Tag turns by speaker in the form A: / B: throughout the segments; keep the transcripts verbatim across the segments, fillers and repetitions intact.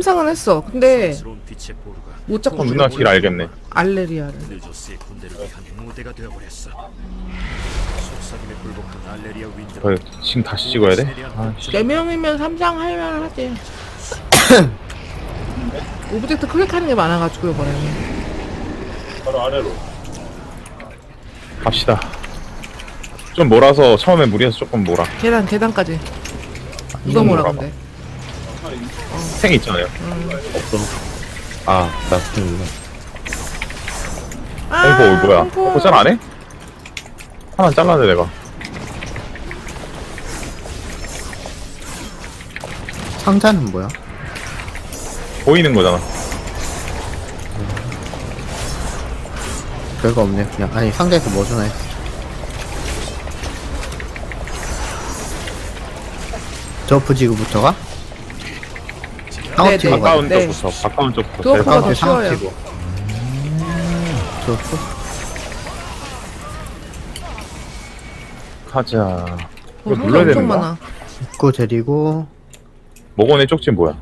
A: 삼상은 했어. 근데 못 잡고
B: 누나 길 알겠네.
A: 알레리아를.
B: 그래, 지금 다시 찍어야 돼? 아,
A: 네 명이면 삼상 할만 하지. 오브젝트 클릭하는 게 많아가지고 이번에는.
C: 바로 아래로.
B: 갑시다. 좀 몰아서 처음에 무리해서 조금 몰아.
A: 계단 계단까지. 누가
B: 좀
A: 뭐라
B: 몰아봐.
A: 근데?
B: 생 있잖아요.
D: 없어. 아, 나 스팅이네.
B: 홍보 올 뭐야?
A: 홍보.
B: 홍보 잘 안 해? 하나 잘라내 내가.
D: 상자는 뭐야?
B: 보이는 거잖아.
D: 별거 없네. 그냥 아니 상자에서 뭐 주나 했어. 저프 지구부터가? 상업
A: 네,
D: 지구
A: 네.
D: 가자.
B: 가까운
A: 네.
B: 쪽부터. 가까운 쪽부터.
A: 그거
B: 제일
A: 그거 더
B: 가까운.
D: 상업
A: 쉬워요.
D: 지구. 저프?
B: 가자.
A: 어,
B: 이거
A: 상자
B: 눌러야
A: 엄청
B: 되는 거야?
A: 많아.
D: 입구 데리고
B: 목원의 쪽지 뭐야?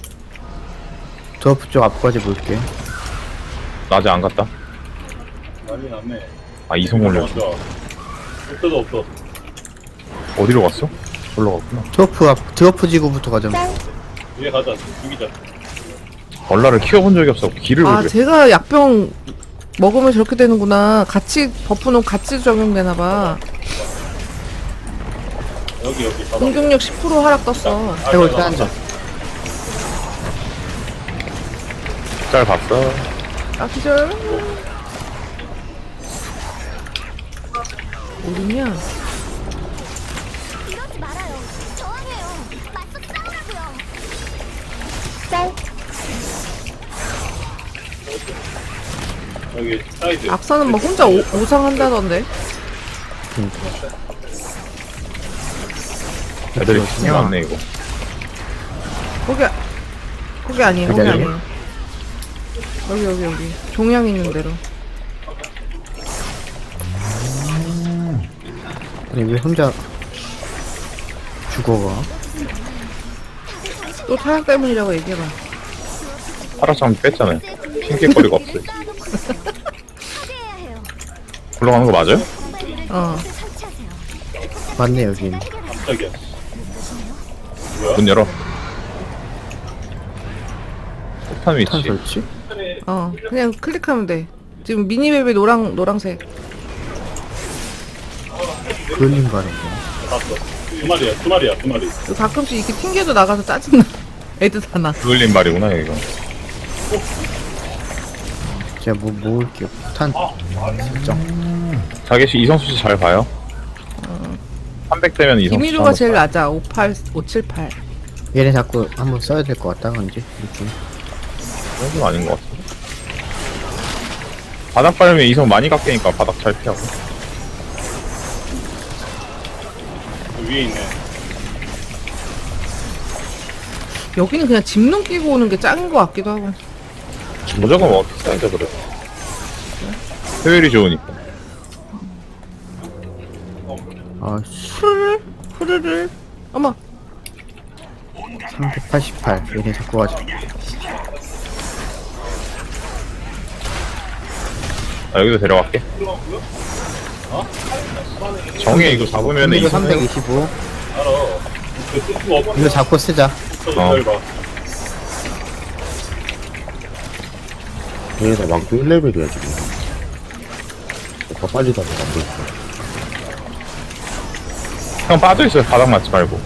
D: 저프 쪽 앞까지 볼게.
B: 나 아직 안 갔다.
C: 난리 났네.
B: 아 이성 올렸어.
C: 먼저. 없어도 없어.
B: 어디로 갔어? 올라 갔구나.
D: 저프 앞 저프 지구부터 가자.
C: 위에 가자. 죽이자.
B: 얼라를 키워본 적이 없어. 길을
A: 아
B: 모르겠어.
A: 제가 약병 먹으면 저렇게 되는구나. 같이 버프는 같이 적용되나봐.
C: 여기 여기. 봐봐.
A: 공격력 십 퍼센트 하락 떴어.
D: 해골 때 앉아.
B: 잘 봤어.
A: 아 기절. 어딨냐?
E: 이러지 말아요. 저항해요. 맞서 싸우라고요. 짤.
C: 여기 사이드.
A: 악사는 뭐 혼자 오, 오상한다던데.
B: 애들이 진짜 많네 이거.
A: 거기 거기 아니에요. 거기
D: 여기
A: 아니에요. 여기 여기 여기 종양 있는 대로.
D: 아니 왜 혼자 죽어가?
A: 또 타락 때문이라고 얘기해봐.
B: 파라장 뺐잖아요. 핑계거리가 없어요.
E: 해야 해요.
B: 굴러가는 거 맞아요?
A: 어.
E: 설치하세요.
D: 맞네 여긴.
C: 깜짝이야.
B: 문 열어. 폭탄 위치.
D: 탄 설치?
A: 어. 그냥 클릭하면 돼. 지금 미니맵이 노랑 노랑색.
D: 그을린 바람이야.
C: 봤어. 두 마리야. 두 마리야. 두 마리.
A: 가끔씩 이렇게 튕겨도 나가서 짜증나. 애들 다 나.
B: 그을린 말이구나 이거.
D: 제가 뭐 모을게요. 탄 설정.
B: 자기씨 이성수 씨 잘 봐요. 삼백 대면 이성수 씨.
A: 김일우가 제일 낮아. 오팔 오칠팔.
D: 얘네 자꾸 한번 써야 될 것 같다 그런지 느낌.
B: 그건 아닌 것 같아. 바닥 밟으면 이성 많이 깎이니까 바닥 잘 피하고.
C: 그 위에 있네.
A: 여기는 그냥 집눈 끼고 오는 게 짱인 것 같기도 하고.
B: 무조건 어떻게 써야죠 그래. 효율이 좋으니까.
D: 아씨
A: 후르르 후르르. 어머.
D: 삼백팔십팔. 얘네 자꾸 가자.
B: 아, 여기도 데려갈게. 정해 이거 잡으면
D: 이거
B: 이성.
D: 삼백이십오.
C: 알아. 그 쓸수 없어.
D: 이거 잡고 쓰자.
B: 어.
C: 잘 봐.
F: 얘가 막도 일 레벨이야 지금. 더 빨리 다녀 안 돼.
B: 형 빠져있어요. 바닥 맞지 말고.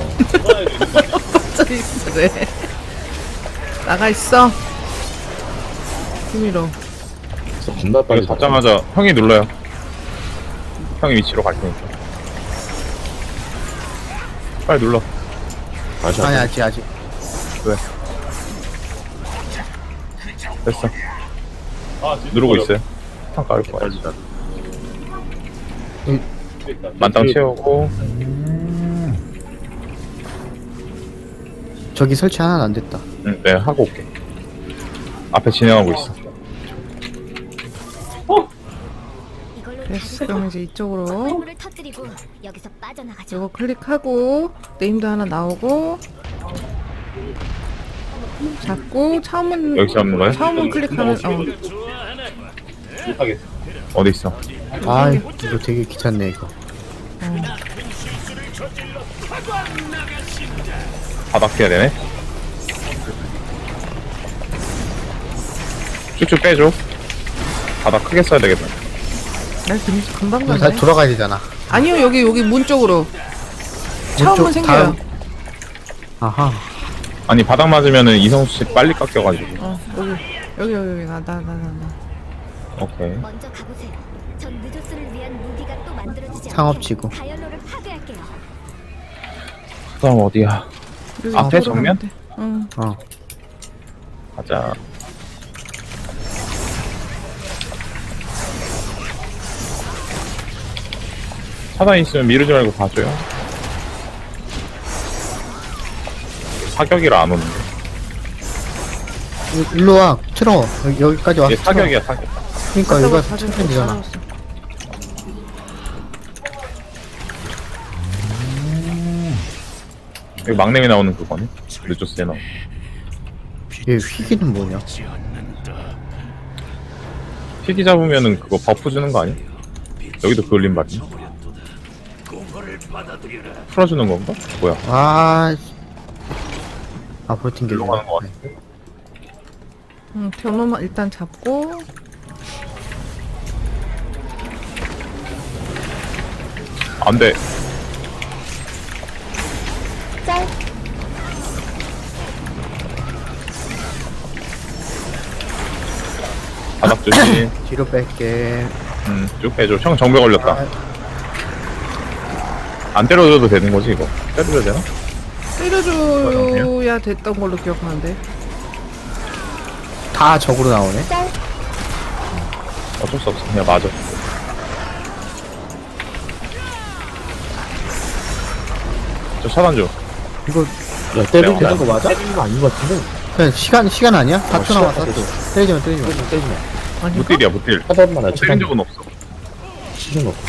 A: 빠져 있어. 그래. 나가 있어. 김일우.
F: 그래서 겁나 빨리
B: 이거 잡자마자 형이 눌러요. 형이 위치로 갈 테니까. 빨리 눌러.
F: 다시
D: 아니
F: 한
D: 아직 아직.
B: 됐어.
C: 아, 진짜
B: 누르고
C: 어려워.
B: 있어요. 형 깔 거야.
C: 그러니까.
B: 만땅 채우고.
D: 저기 설치 하나는 안 됐다.
B: 응, 네, 하고 올게. 앞에 진행하고 있어.
E: 이걸로
A: 됐어. 그럼 이제 이쪽으로
E: 물을 터뜨리고 여기서 빠져나가죠.
A: 이거 클릭하고 네임도 하나 나오고 잡고 차문
B: 여기 잡는 거야?
A: 차문 클릭하면 어
C: 못하겠어.
B: 어디 있어?
D: 아 이거 되게 귀찮네 이거.
B: 바닥 해야 되네. 쭉쭉 빼줘. 바닥 크게 써야 되겠다.
A: 나 금, 금방
D: 이거 다
A: 가네.
D: 돌아가야 되잖아.
A: 아니요 여기 여기 문 쪽으로 차문
D: 왼쪽
A: 생겨요.
D: 다음- 아하.
B: 아니 바닥 맞으면은 이성수 씨 빨리 깎여가지고.
A: 어 여기 여기 여기 여기 나 나 나 나나
B: 오케이.
E: 먼저 가보세요. 전 느조스를 위한 무기가 또 만들어지지
D: 상업지구.
E: 않게 다이얼로를 파괴할게요.
B: 그다음 어디야? 앞에 정면?
A: 응.
D: 어.
B: 가자. 차단 있으면 미루지 말고 봐줘요. 사격이라 안 오는데.
D: 일- 일로 와. 틀어. 여기, 여기까지 와서
B: 얘
D: 틀어.
B: 사격이야 사격.
D: 그러니까 여기가 틀면 되잖아.
B: 여기 막내미 나오는 그거네. 늦었어요 나.
D: 얘 휘기는 뭐냐?
B: 피기 잡으면은 그거 버프 주는 거 아니야? 여기도 그을린 말이야. 풀어주는 건가? 뭐야?
D: 아. 씨. 앞으로 튕겨.
B: 일로 가는 거 같은데?
A: 응, 변호만 일단 잡고
B: 안 돼. 바닥 조심.
D: 뒤로 뺄게.
B: 음, 쭉 빼줘. 형 정배 걸렸다.
D: 아,
B: 안 때려줘도 되는 거지 이거? 때려줘야 되나?
A: 때려줘야 됐던 걸로 기억하는데.
D: 다 적으로 나오네.
B: 어쩔 수 없어. 그냥 맞아. 저 차단 줘.
D: 이거
F: 야, 때리는
B: 야,
F: 거 맞아? 때리는 거 아닌 것 같은데?
D: 그냥 시간 시간 아니야? 사 초
F: 시간
D: 남았어.
F: 됐어.
D: 또. 때리지 마, 때리지 마.
F: 때리지 마, 때리지 마.
A: 아닌가?
B: 무딜이야 무딜.
F: 차단만 해,
B: 때린
F: 차단.
B: 적은 없어.
F: 시중 없고.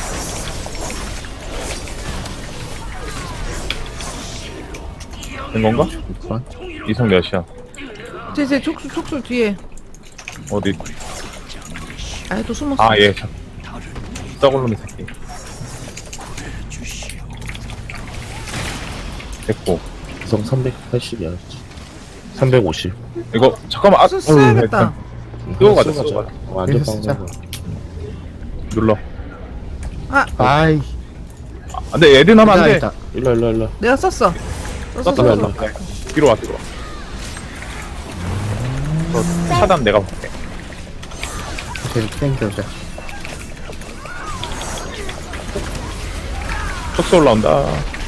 B: 된 건가? 이성 몇이야?
A: 제제 촉수 촉수 뒤에.
B: 어디?
A: 아예 또 숨었어.
B: 아 얘. 썩을놈의 새끼. 됐고.
F: 구성 삼백팔십이야. 삼백오십.
B: 이거 잠깐만. 아,
A: 써- 써야겠다.
B: 끄고 가자. 끄고 가자.
F: 완전
D: 그래서 진짜.
F: 빵.
B: 눌러.
A: 아
D: 아이.
B: 아, 근데 애들 하면 안 돼.
D: 있다.
F: 일로, 일로, 일로.
A: 내가 썼어. 썼어
B: 썼다.
A: 썼어.
F: 일로.
B: 뒤로 와 뒤로 와. 저 차단 내가 볼게.
D: 계속 땡겨오자.
B: 촉수 올라온다.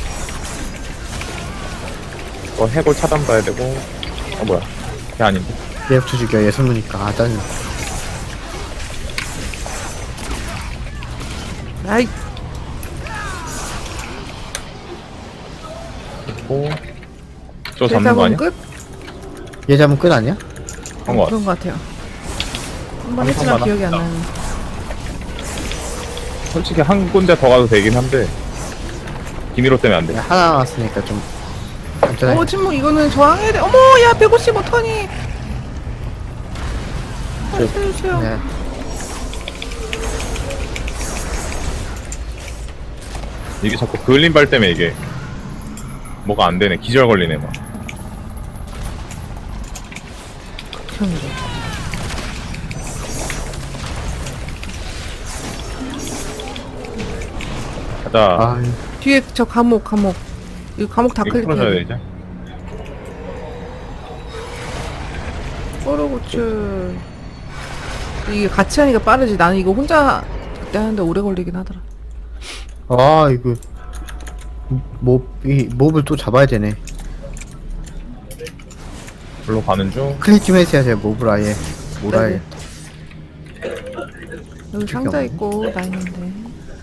B: 이거 해골 차단 봐야 되고. 어 뭐야? 걔 아닌데.
D: 레프트 죽여. 예술무니까. 아 짜증나.
A: 아이
B: 고. 저
A: 제
B: 잡는 거 아니야?
A: 끝?
D: 얘 잡으면 끝 아니야?
B: 한 거 같아.
A: 그런 것 같아요. 한번
B: 한
A: 했지만
B: 번만
A: 기억이 안
B: 하자.
A: 나는.
B: 솔직히 한 군데 더 가도 되긴 한데 기미로 때문에 안 돼.
D: 야, 하나 남았으니까 좀. 안전하게.
A: 어 침묵 이거는 저항해야 돼. 어머 야 백오십오 턴이. 아, 살려주세요.
D: 네.
B: 이게 자꾸 그을림발 때문에 이게 뭐가 안 되네. 기절 걸리네 막.
A: 극혐이래.
B: 가자.
D: 아,
A: 뒤에 저 감옥 감옥. 이거 감옥 다
B: 이거 풀어줘야
A: 클릭해.
B: 돼 이제.
A: 뽀로고추. 이게 같이 하니까 빠르지. 나는 이거 혼자 그때 하는데 오래 걸리긴 하더라.
D: 아 이거 몹이 몹을 또 잡아야 되네.
B: 불로 가는 중.
D: 클릭 좀 해줘야 돼. 몹을 아예 몰아야.
A: 네네. 여기 상자 있고 나 있는데.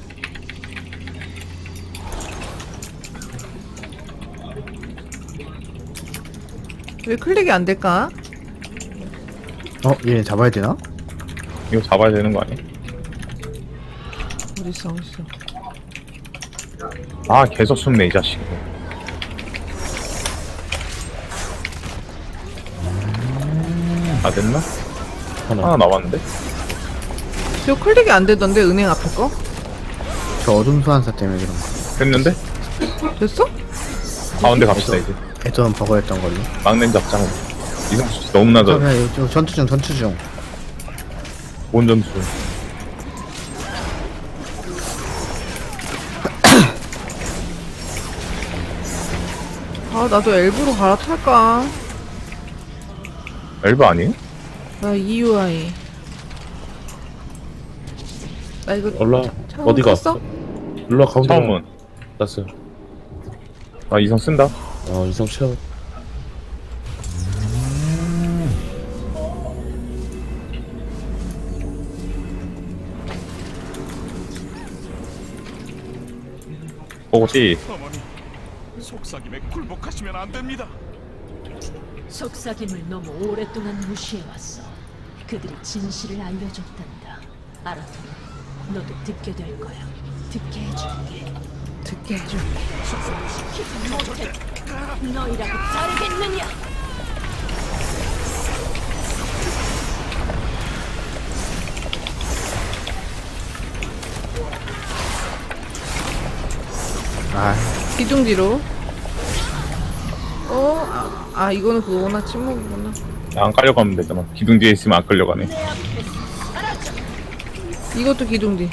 A: 왜 클릭이 안 될까?
D: 어 얘네 잡아야 되나?
B: 이거 잡아야 되는 거 아니야?
A: 어딨어 어딨어.
B: 아 계속 숨네 이 자식. 다 됐나?
F: 하나.
B: 하나 남았는데?
A: 저 클릭이 안 되던데 은행 앞에 거?
D: 저 어둠 소환사 때문에 그런 거.
B: 됐는데?
A: 됐어?
B: 가운데 갑시다 이제.
D: 애전 버거였던 걸로.
B: 막내 잡장. 이성수 씨 너무 낮아.
D: 그러면 이거 전투 중 전투 중.
B: 본전수.
A: 아 나도 엘브로 갈아탈까?
B: 엘브 아니에요?
A: 나 이유아이. 나 이거
F: 올라.
A: 차원
F: 어디가?
A: 샀어?
F: 일로 와, 가운데.
B: 처음은.
F: 났어요.
B: 아 이성 쓴다.
F: 어, 이성 채워.
B: 보고지.
G: 어머니, 속삭임에 굴복하시면 안 됩니다.
H: 속삭임을 너무 오랫동안 무시해왔어. 그들이 진실을 알려줬단다. 알아두면 너도 듣게 될 거야. 듣게 해줄게.
A: 듣게 해줄게.
H: 시키지 못해. 너희라고 자르겠느냐?
D: 아,
A: 기둥지로. 어? 아, 아 이거는 그거구나. 침묵이구나.
B: 안 깔려가면 되잖아. 기둥 뒤에 있으면 안 끌려가네.
A: 이것도 기둥지.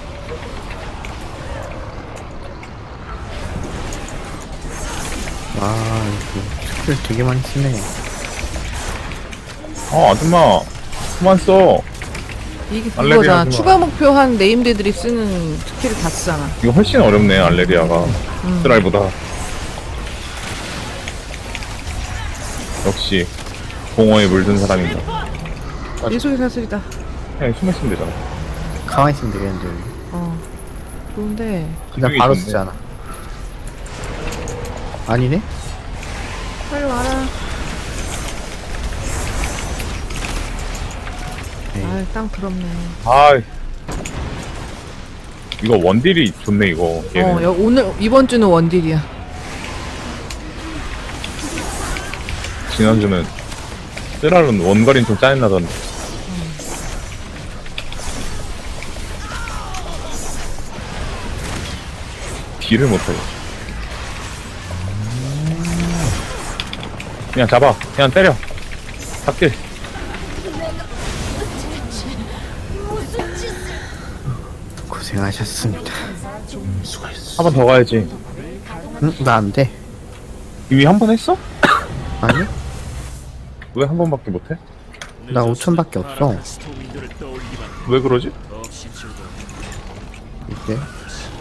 D: 아, 이거 스킬 되게 많이 쓰네.
B: 어 아줌마. 그만 써.
A: 이게
B: 알레리아
A: 그거잖아.
B: 하지 마.
A: 추가 목표 한 네임드들이 쓰는 스킬을 다 쓰잖아.
B: 이거 훨씬 어렵네 알레리아가. 스트라이보다. 역시 공허에 물든 사람인가.
A: 일속의 사슬이다.
B: 그냥 숨어 있으면 되잖아.
D: 가만히 있으면 되겠는데. 여기.
A: 어. 좋은데.
D: 그냥
B: 기둥이
D: 바로
B: 좋네.
D: 쓰잖아. 아니네?
A: 빨리 와라.
D: 네.
A: 아, 땅 더럽네.
B: 아 이거 원딜이 좋네 이거. 얘는.
A: 어, 여, 오늘 이번 주는 원딜이야.
B: 지난주는 쓰라론 원거리는 좀 짜증나던데. 딜을 못해. 그냥 잡아. 그냥 때려. 탁딜.
D: 고생하셨습니다.
B: 한 번 더 가야지.
D: 응? 나 안 돼.
B: 이미 한 번 했어?
D: 아니?
B: 왜 한 번밖에 못해?
D: 나 오천밖에 없어.
G: 스토미들을 떠올리기만
B: 왜 그러지?
G: 없이 즐거워.
D: 이게